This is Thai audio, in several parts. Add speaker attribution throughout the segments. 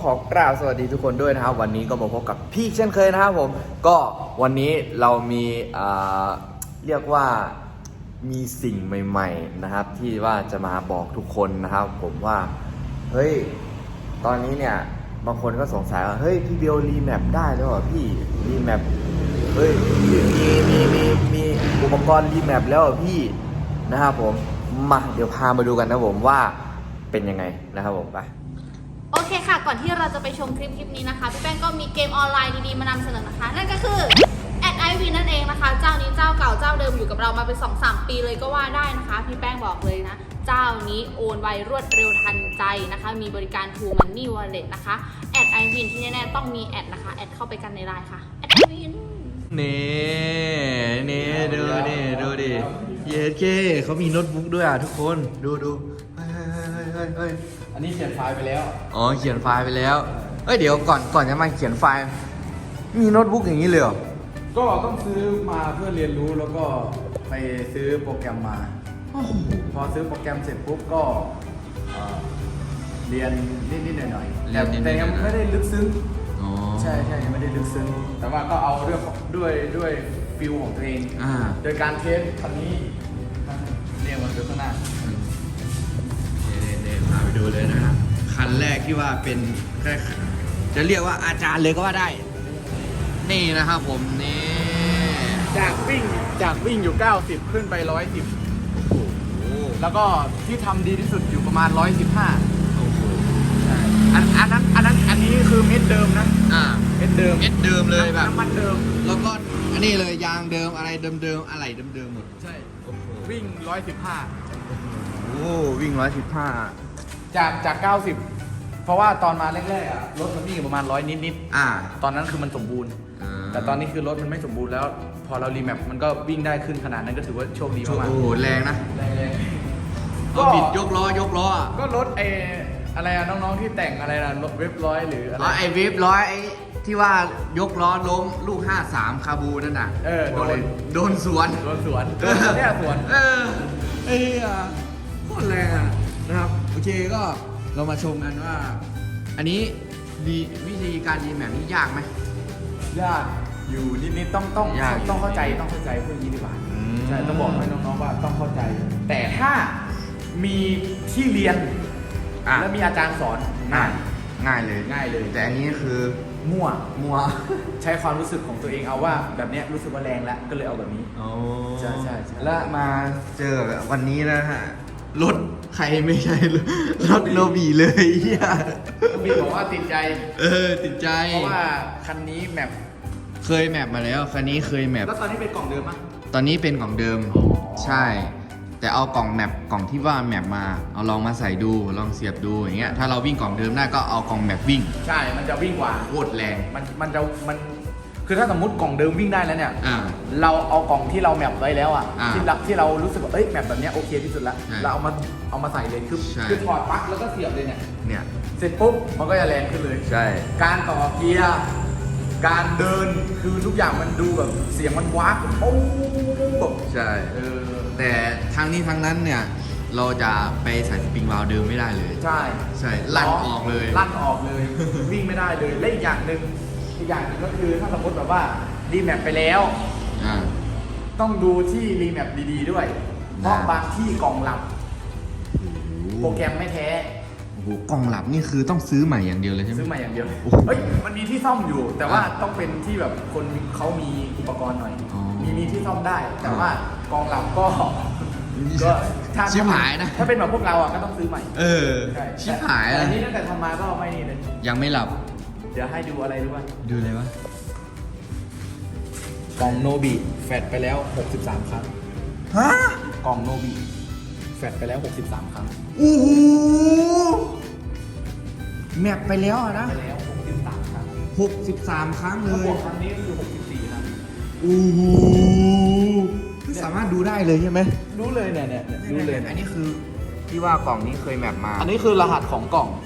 Speaker 1: ขอกราบสวัสดีทุกคนด้วยนะครับวันนี้ก็มาพบกับพี่เช่นเคยนะครับผมก็วันนี้เรามีเรียกว่ามีสิ่งใหม่ๆนะครับที่ว่าจะมาบอกทุกคนนะครับผมว่าเฮ้ยตอนนี้เนี่ยบางคนก็สงสัยว่าเฮ้ยพี่เบลรีแมปได้แล้วเหรอพี่รีแมปเฮ้ยมีอุปกรณ์รีแมปแล้วเหรอพี่นะครับผมมาเดี๋ยวพามาดูกันนะผมว่าเป็นยังไงนะครับผมไป
Speaker 2: โอเคค่ะก่อนที่เราจะไปชมคลิปนี้นะคะพี่แป้งก็มีเกมออนไลน์ดีๆมานำเสนอนะคะนั่นก็คือแอดไอวีนั่นเองนะคะเจ้านี้เจ้าเก่าเจ้าเดิมอยู่กับเรามาเป็น 2-3 ปีเลยก็ว่าได้นะคะพี่แป้งบอกเลยนะเจ้านี้โอนไวรวดเร็วทันใจนะคะมีบริการ True Money Wallet นะคะแอดไอวีที่แน่ๆต้องมีแอดนะคะแอดเข้าไปกันในไลน์ค่ะแอดไอวี
Speaker 1: นี่ดูดิเย้เก้เขามีโน้ตบุ๊กด้วยอ่ะทุกคนดูเฮ้ย
Speaker 3: อันนี้เขียนไฟล์ไปแล้ว
Speaker 1: อ๋อเขียนไฟล์ไปแล้วเอ้ยเดี๋ยวก่อนจะมาเขียนไฟล์มีโน้ตบุ๊กอย่างนี้เลยเหรอ
Speaker 3: ก็ต้องซื้อมาเพื่อเรียนรู้แล้วก็ไปซื้อโปรแกรมมาพอซื้อโปรแกรมเสร็จปุ๊บก็เรียนนิดๆหน่อยๆแต่ยังไม่ได้ลึกซึ้งใช่ยังไม่ได้ลึกซึ้งแต่ว่าก็เอาเรื่องด้วยฟิลของตัวเองโดยการเทสคันนี้เรียงมันอยู่ข้างหน้า
Speaker 1: เนี่ยพาไปดูเลยนะฮะคันแรกที่ว่าเป็นแค่จะเรียกว่าอาจารย์เลยก็ว่าได้นี่นะครับผมนี่
Speaker 3: จากวิ่งอยู่90ขึ้นไป110แล้วก็ที่ทำดีที่สุดอยู่ประมาณ115อันนี้คือเม็ดเดิมนะเม็ดเดิม
Speaker 1: เลยแบบ
Speaker 3: น้ำมันเดิม
Speaker 1: แล้วก็อันนี้เลยยางเดิมอะไรเดิมอะไรเดิมหมด
Speaker 3: ใช่วิ่ง115
Speaker 1: โอ้วิ่ง115
Speaker 3: จาก90เพราะว่าตอนมาแรกๆรถมันวิ่งประมาณ100นิดตอนนั้นคือมันสมบูรณ์แต่ตอนนี้คือรถมันไม่สมบูรณ์แล้วพอเรารีแมปมันก็วิ่งได้ขึ้นขนาดนั้นก็ถือว่าโชคดีมาก
Speaker 1: โอ้โหแรงนะก็บิดยกล้
Speaker 3: ก็รถอะไรน้องๆที่แต่งอะไรนะรถเว็บร้อยหรืออะไร
Speaker 1: ไอเว็บร้อยไอที่ว่ายกล้อล้มลูก53คาบูนั่นน่ะโดนสวน
Speaker 3: เนี่ยสวน
Speaker 1: โคตรแรงอ่ะนะครับโอเคก็เรามาชมกันว่าอันนี้วิธีการรีแมปนี่ยากไหม
Speaker 3: ยากอยู่นิดๆต้องเข้าใจเพื่อนนี้ดีกว่าใช่ต้องบอกให้น้องๆว่าต้องเข้าใจแต่ถ้ามีที่เรียนแล้วมีอาจารย์สอน
Speaker 1: ง่ายเลยแต่อันนี้คือ
Speaker 3: มั่วใช้ความรู้สึกของตัวเองเอาว่าแบบนี้รู้สึกว่าแรงแล้วก็เลยเอาแบบนี้ใช่
Speaker 1: แล้วมาเจอวันนี้นะฮะรถใครไม่ใช่รถโนบีเลย
Speaker 3: โนบีบอกว่าติดใจ
Speaker 1: ติดใจ
Speaker 3: เพราะว่าคันนี้แมป
Speaker 1: เคยแมปมาแล้วคันนี้เคยแมป
Speaker 3: แล้วตอนนี้เป็นกล่องเดิมมั้ย
Speaker 1: ตอนนี้เป็นกล่องเดิมใช่แต่เอากล่องที่ว่าแมปมาเอาลองมาใส่ดูลองเสียบดูอย่างเงี้ยถ้าเราวิ่งกล่องเดิมได้ก็เอากล่องแมปวิ่ง
Speaker 3: ใช่มันจะวิ่งกว่า
Speaker 1: โคตรแรง
Speaker 3: มันคือถ้าสมมติกล่องเดิมวิ่งได้แล้วเนี่ยเราเอากล่องที่เราแมปไว้แล้วที่เรารู้สึกว่าแมปแบบนี้โอเคที่สุดแล้วเราเอามาใส่เลยคือถอดปลั๊กแล้วก็เสียบเลยเนี่ยเสร็จปุ๊บมันก็จะแรงขึ้นเลย
Speaker 1: ใช่
Speaker 3: การต่อเกียร์การเดินคือทุกอย่างมันดูแบบเสียงมันว้าโอ้
Speaker 1: ใช่แต่ทั้งนี้ทั้งนั้นเนี่ยเราจะไปใส่สปริงวาล์วเดิมไม่ได้เลย
Speaker 3: ใ
Speaker 1: ช่ลั่นออกเลย
Speaker 3: วิ่งไม่ได้เลยและอีกอย่างหนึ่งก็คือถ้าสมมติแบบว่ารีแมปไปแล้วต้องดูที่รีแมปดีๆด้วยเพราะบางที่กล่องหลับโปรแกรมไม่แท้
Speaker 1: กล่องหลับนี่คือต้องซื้อใหม่อย่างเดียวเลยใช่ไหม
Speaker 3: ซื้อใหม่อย่างเดียวมันมีที่ซ่อมอยู่แต่ว่าต้องเป็นที่แบบคนเขามีอุปกรณ์หน่อยมีที่ซ่อมได้แต่ว่ากล่องหลับก็
Speaker 1: ชิบหายนะ
Speaker 3: ถ้าเป็นแบบพวกเราก็ต้องซื้อใหม่
Speaker 1: ชิบหาย
Speaker 3: แต่นี่ตั้งแต่ทำมาก็ไม่นี่เลย
Speaker 1: ยังไม่หลับ
Speaker 3: เดี๋ยวให้ดูอะไรรู้ป่ะ
Speaker 1: ดูเลยวะ
Speaker 3: กล่องโนบิแฟดไปแล้ว63ครั้งกล่องโนบิแฟดไปแล้ว63ครั้ง
Speaker 1: โอ้โหแมปไปแล้วนะ
Speaker 3: ไปแล้ว63ครั้ง
Speaker 1: 63ครั้งเลย
Speaker 3: ครั้งนี้คือ64ครั้ง
Speaker 1: โอ้โหคือสามารถดูได้เลยใช่ไหม
Speaker 3: รู้เลยเนี่ยรู้เลย
Speaker 1: อันนี้คือที่ว่ากล่องนี้เคยแมปมา
Speaker 3: อันนี้คือรหัสของกล่อง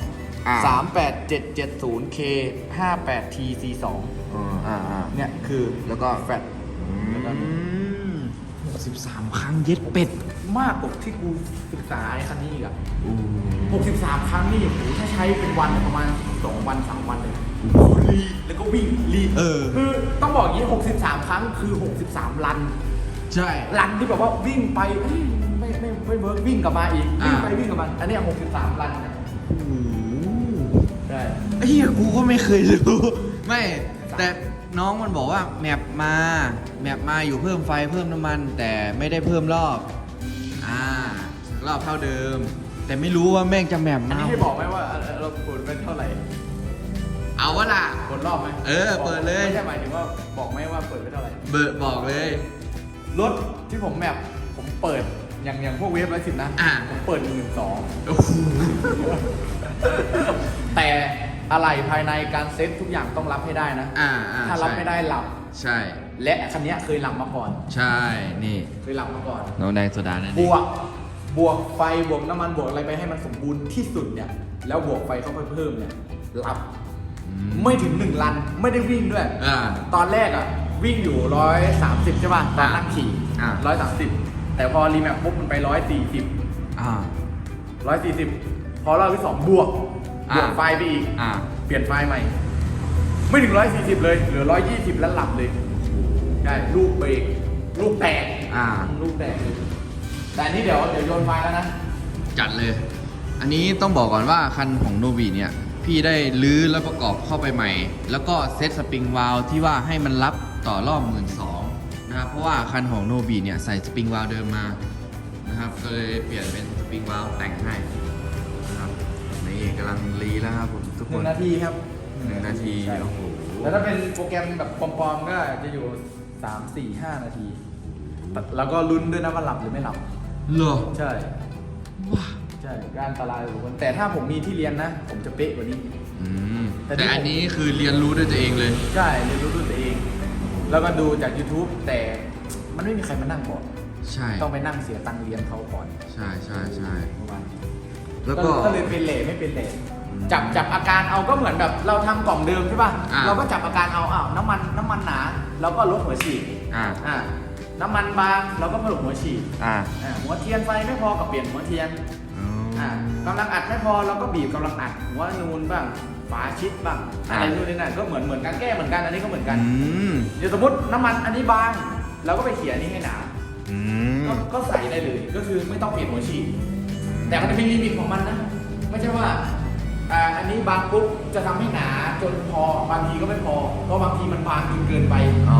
Speaker 3: 38770K58TC2เนี่ยคือ
Speaker 1: แล้วก็
Speaker 3: แฟด
Speaker 1: 63 ครั้งเย็ดเป็ด
Speaker 3: มากกว่าที่กูศึกษาไอ้คันนี้อีกอะ63 ครั้งนี่โอ้โหถ้าใช้เป็นวันประมาณ2 วัน 3 วันเลยรีแล้วก็วิ่งรีคือต้องบอกอย่างนี้63 ครั้งคือ 63 รัน
Speaker 1: ใช่
Speaker 3: รันที่แบบว่าวิ่งไปเอ้ยไม่เวิร์กวิ่งกลับมาอีกวิ่งไปวิ่งกลับมาอันนี้63 รันนะ
Speaker 1: โอ้โห
Speaker 3: ใช่
Speaker 1: ไอ้เหี้ยกูก็ไม่เคยรู้ ไม่แต่น้องมันบอกว่าแมปมาอยู่เพิ่มไฟเพิ่มน้ำมัน แต่ไม่ได้เพิ่มรอบรอบเท่าเดิม แต่ไม่รู้ว่าแม่งจะแมป
Speaker 3: อัน
Speaker 1: มา
Speaker 3: นี้ให้บอกไหมว่าเราเปิดเป็นเท่าไหร่
Speaker 1: เอาวะล่ะ
Speaker 3: เปิดรอบไหม
Speaker 1: เออเปิดเลย
Speaker 3: ไม่ใช่หมายถึงว่าบอกไหมว่าเปิดเป็นเท่าไหร่
Speaker 1: เบอร์บอกเลย
Speaker 3: รถที่ผมแมปผมเปิดอย่างพวกเวฟ110นะ ผมเปิด12,000
Speaker 1: โอ้โห
Speaker 3: แต่อะไรภายในการเซ็ตทุกอย่างต้องรับให้ได้นะ ถ้ารับไม่ได้หลับ
Speaker 1: ใช่
Speaker 3: และคันนี้เคยหลับมาก่อน
Speaker 1: ใช่นี่
Speaker 3: เคยหลับมาก่อน
Speaker 1: น้องแดงโซดานั่น
Speaker 3: บ
Speaker 1: เอง
Speaker 3: วกไฟบวกน้ำมันบวกอะไรไปให้มันสมบูรณ์ที่สุดเนี่ยแล้วบวกไฟเข้าไปเพิ่มเนี่ยหลับไม่ถึง1 ลันไม่ได้วิ่งด้วย ตอนแรกอ่ะวิ่งอยู่130ใช่ป่ะตอนนั่งขี่130แต่พอรีแมปปุ๊บมันไป140พอรอบที่2บวกไฟไปอีกเปลี่ยนไฟใหม่ไม่ถึง140เลยเหลือ120แล้วหลับเลยใช่ลูกเบรกลูกแตกลูกแตกเลยแต่อันนี้เดี๋ยวโยนไฟแล้วนะ
Speaker 1: จัดเลย อันนี้ต้องบอกก่อนว่าคันของโนบีเนี่ยพี่ได้ลื้อแล้วประกอบเข้าไปใหม่ แล้วก็เซตสปริงวาล์วที่ว่าให้มันรับต่อรอบ 12,000 นะครับเพราะว่าคันของโนบีเนี่ยใส่สปริงวาล์วเดิมมานะครับก็เลยเปลี่ยนเป็นสปริงวาล์วแต่งให้นะครับนี่กำลังรีแล้วครับผมทุกคน
Speaker 3: 1 นาทีครับ
Speaker 1: 1 นาที
Speaker 3: ใช่
Speaker 1: โอ้โห
Speaker 3: แล้วถ้าเป็นโปรแกรมแบบปลอมๆก็จะอยู่3 4 5 นาทีแล้วก็ลุ้นด้วยนะว่าหลับหรือไม่หลับ
Speaker 1: เหรอ
Speaker 3: ใช่
Speaker 1: ว้า
Speaker 3: ใช่ก็อันตรายทุกคนแต่ถ้าผมมีที่เรียนนะ ผมจะเป๊ะกว่านี้
Speaker 1: แต่อันนี้คือเรียนรู้ด้วยตัวเองเลย
Speaker 3: ใช่เรียนรู้ด้วยตัวเอง แล้วก็ดูจาก YouTube แต่มันไม่มีใครมานั่งบอก
Speaker 1: ใช่
Speaker 3: ต้องไปนั่งเสียตังค์เรียนเขาก่อน
Speaker 1: ใช่
Speaker 3: ประมาณนี้
Speaker 1: แล้วก็
Speaker 3: ก็เลยเป็นเหล่ไม่เป็นเหล่จับอาการเอาก็เหมือนแบบเราทำกล่องเดิมใช่ป่ะเราก็จับอาการเอาน้ำมันหนาเราก็ลดหัวฉีดน้ำมันบางเราก็เพิ่มหัวฉีดหัวเทียนไฟไม่พอกับเปลี่ยนหัวเทียนกำลังอัดไม่พอเราก็บีบกำลังอัดหัวนูนบ้างฝาชิดบ้างอะไรนู่นนี่นั่นก็เหมือนการแก้เหมือนกันอันนี้ก็เหมือนกันเดี๋ยวสมมติน้ำมันอันนี้บางเราก็ไปเขี่ยอันนี้ให้หนาก็ใส่ได้เลยก็คือไม่ต้องเปลี่ยนหัวฉีดแต่มันจะมีลิมิตของมันนะไม่ใช่ว่าอันนี้บางปุ๊บจะทำให้หนาจนพอบางทีก็ไม่พอเพราะบางทีมันบางจนเกินไป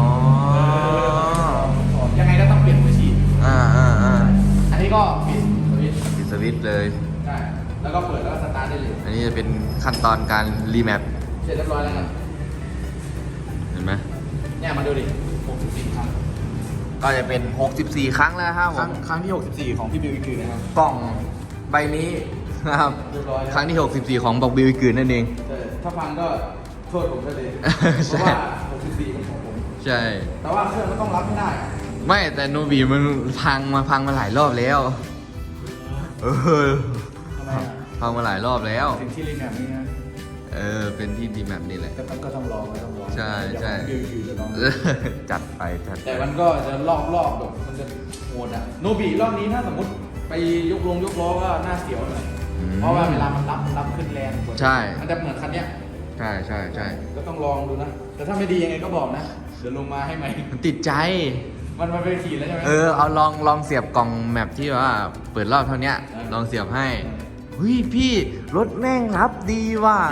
Speaker 3: ยังไงก็ต้องเปลี่ยนหัวฉีดอันนี้ก็ปิดสวิตช์
Speaker 1: ปิดสวิตช์เลย
Speaker 3: ใช่แล้วก็เปิดแล้วก็สตาร์ทได้เลย
Speaker 1: อันนี้จะเป็นขั้นตอนการรีแมป
Speaker 3: เสร็จเรียบร้อยแล้วครับ
Speaker 1: เห็นไหม
Speaker 3: เนี่ยมาดูดิ64 ครั้ง
Speaker 1: ก็จะเป็น 64 ครั้งแล้วครับผม
Speaker 3: ครั้งที่ 64 ของพี่บิวอีกคือนะครับ
Speaker 1: กล่องใบนี้นะครับ
Speaker 3: เรียบร้อยแล้ว
Speaker 1: ครั้งที่ 64 ของบอกบิวอีกืนนั่นเอง
Speaker 3: ใช่ถ้าฟังก็โทษผมได้เลย
Speaker 1: ใช่
Speaker 3: เพราะว่า 64เป็นของผม
Speaker 1: ใช่
Speaker 3: แต่ว่าเครื่องก็ต้องรับไม่ได้
Speaker 1: ไม่แต่โนบีมันพังมาหลายรอบแล้วเออ
Speaker 3: ทำไมอ่ะ
Speaker 1: พังมาหลายรอบแล้ว
Speaker 3: ถึงที่รีแมปนี้นะ
Speaker 1: เป็นที่ดีแมปนี่แหละ
Speaker 3: แต่มันก็ต้องลอง
Speaker 1: ใช่ใช่
Speaker 3: เดี๋ยวของบิวจะลอง
Speaker 1: จัดไปจัดไป
Speaker 3: แต่มันก็จะรอบแบบมันจะโหดอะโนบีรอบนี้ถ้าสมมติไปยกล้อก็น่าเสียวหน่อยเพราะว่าเวลามันรับขึ้นแรงกว่า
Speaker 1: ใช่
Speaker 3: มันจะเหมือนคันเนี้ย
Speaker 1: ใช่
Speaker 3: ก็ต้องลองดูนะ แต่ถ้าไม่ดียังไงก็บอกนะ เดี๋ยวลงมาให้ใหม่
Speaker 1: มันติดใจ
Speaker 3: มันไปขี่แล้วใช่ไหม
Speaker 1: เอาลองเสียบกล่องแมปที่ว่าเปิดรอบเท่านี้ลองเสียบให้เฮ้ยพี่รถแม่งรับดีว่ะ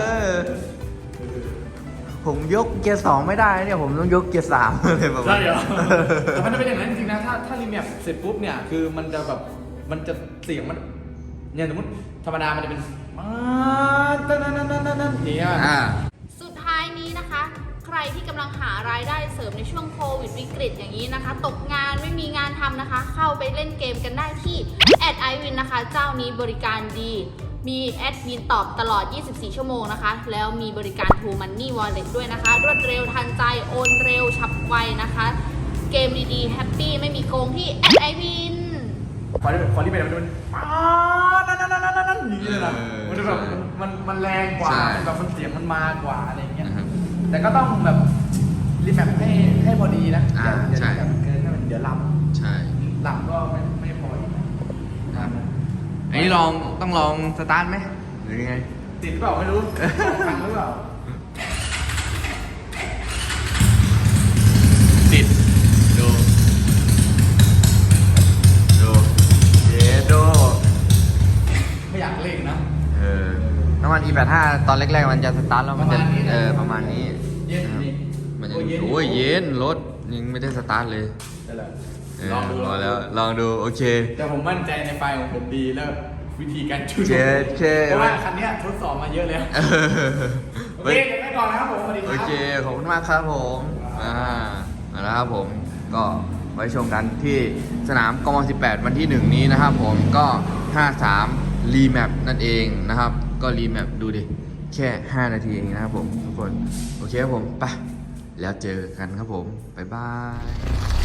Speaker 1: ผมยกเกียร์2ไม่ได้เนี่ยผมต้องยกเกียร์3เลยแบบ
Speaker 3: ใช่เหรอ แต่มันจะเป็นอย่างนั้นจริงๆนะ ถ้ารีแมปเสร็จปุ๊บเนี่ย คือมันจะแบบ มันจะเสียงมัน เนี่ยสมมติธรรมดามันจะเป็นนั่นนี่อ่ะ
Speaker 2: สุดท้ายนี้นะคะ ใครที่กำลังหารายได้เสริมในช่วงโควิดวิกฤตอย่างนี้นะคะ ตกงานไม่มีงานทำนะคะ เข้าไปเล่นเกมกันได้ที่@iwin นะคะ เจ้านี้บริการดี มีแอดมินตอบตลอด 24 ชั่วโมงนะคะ แล้วมีบริการ True Money Wallet ด้วยนะคะ รวดเร็วทันใจโอนเร็วฉับไวนะคะ เกมดีๆแฮปปี้ไม่มีโกงที่@iwin
Speaker 3: พอที่เป็นมันนั่นอย่างนี้เลยนะมันจะแบบมันแรงกว่าแบบมันเสียงมันมากว่าอะไรเงี้ย แต่ก็ต้องแบบรีแมปให้พอดีนะอย่ารีแมปเกินให้มันเดี๋ยวลำ
Speaker 1: ใช่
Speaker 3: หลังก็ไม่พออีก
Speaker 1: ครับอันนี้ต้องลองสตาร์ทไหมหรือยังไง
Speaker 3: ติดเปล่าไม่รู้พังหรือเปล่า
Speaker 1: ติดดูเยโด
Speaker 3: ไม่อยากเล่นนะ
Speaker 1: น้ำมัน E85 ตอนแรกๆมันจะสตาร์ทแล้วมันจะประมาณนี้
Speaker 3: เย็น
Speaker 1: นะครับ
Speaker 3: นี่
Speaker 1: มันจะ
Speaker 3: โอ้ยเย็น
Speaker 1: โอ้ยเย็นรถยังไม่ได้สตาร์ทเลย
Speaker 3: นั่นแหละ
Speaker 1: ลองดูลองดูโอเค
Speaker 3: แต่ผมมั่นใจในไฟของผมดีแล้ววิธีการจูน
Speaker 1: เช
Speaker 3: เพราะว่าคันเนี้ยทดสอบมาเยอะแล้ว โอเคเดี๋ยวไปก่อนนะครับผมสวัสดีค
Speaker 1: โอ
Speaker 3: รับ
Speaker 1: เคขอบคุณมากครับผมมาแล้วครับผมก็ไว้ชมกันที่สนามกม18วันที่1นี้นะครับผมก็53รีแมปนั่นเองนะครับ ก็รีแมปดูดิแค่5นาทีเองนะครับผมทุกคนโอเคครับผมไปแล้วเจอกันครับผมบ๊ายบาย